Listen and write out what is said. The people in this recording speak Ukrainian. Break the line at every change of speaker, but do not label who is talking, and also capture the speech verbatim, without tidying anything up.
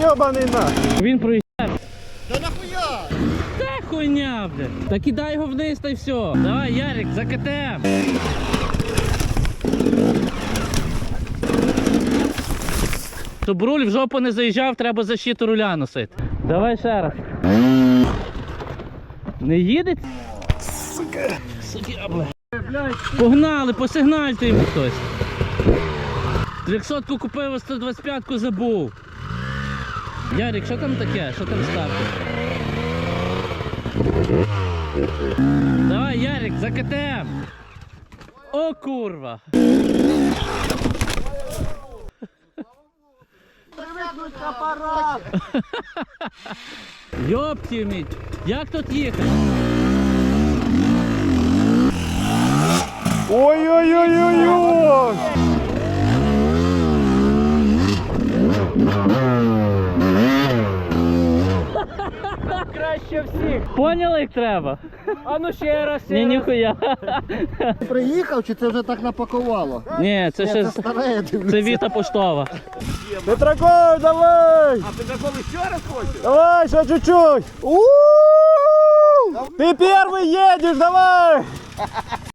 йобаний нахуй.
Він проїжджає.
Да нахуя?
Та хуйня, блядь. Та кидай його вниз та й все. Давай, Ярик, за КТМ. Щоб руль в жопу не заїжджав, треба защиту руля носити. Давай ще раз. Не їде? Сука. Сука, блядь. Погнали, посигнальте йому хтось. трьохсотку купив, а сто двадцять п'ятку забув. Ярик, що там таке? Що там ставки? Давай, Ярик, за КТМ. О, курва.
Привикнуть апарат.
Йопті міть. Як тут їхати?
Ой-ой-ой-ой-ой. Краще всіх.
Поняли, як треба?
А ну ще раз.
Ні, ніхуя.
Приїхав чи це вже так напакувало?
Ні, це ще
Це старе, я дивлюся.
це Віта поштова.
Петраков, давай!
А Петраков ще раз хоче?
Давай, ще чуть-чуть! У-у-у! Ты первый едешь, давай!